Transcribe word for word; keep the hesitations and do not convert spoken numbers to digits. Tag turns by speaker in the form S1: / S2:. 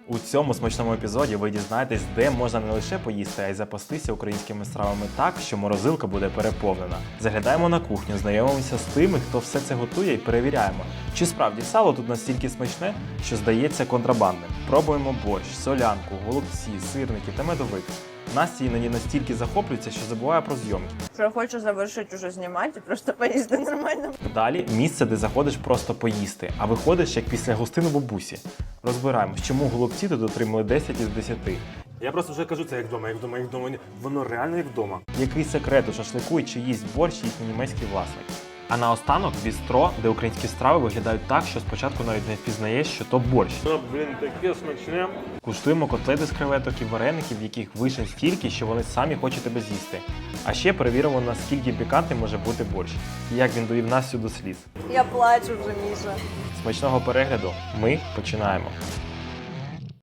S1: У цьому смачному епізоді ви дізнаєтесь, де можна не лише поїсти, а й запастися українськими стравами так, що морозилка буде переповнена. Заглядаємо на кухню, знайомимося з тими, хто все це готує, і перевіряємо, чи справді сало тут настільки смачне, що здається контрабандним. Пробуємо борщ, солянку, голубці, сирники та медовик. Настя іноді настільки захоплюється, що забуває про зйомки.
S2: Що я хочу завершити уже знімати і просто поїсти нормально.
S1: Далі місце, де заходиш просто поїсти, а виходиш як після гостини бабусі. Розбираємось, чому голубці тут отримали десять із десяти.
S3: Я просто вже кажу, це як вдома, як вдома, як вдома. Воно реально як вдома.
S1: Який секрет у шашлику і чи їсть борщ їхній німецький власник. А наостанок бістро, де українські страви виглядають так, що спочатку навіть не впізнаєш, що то борщ.
S3: Воно, блін, таке смачне.
S1: Куштуємо котлети з креветок і вареників, в яких вишень стільки, що вони самі хочуть тебе з'їсти. А ще перевіримо, наскільки пікантним може бути борщ, і як він довів Настю до сліз.
S2: Я плачу вже, Міша.
S1: Смачного перегляду, ми починаємо.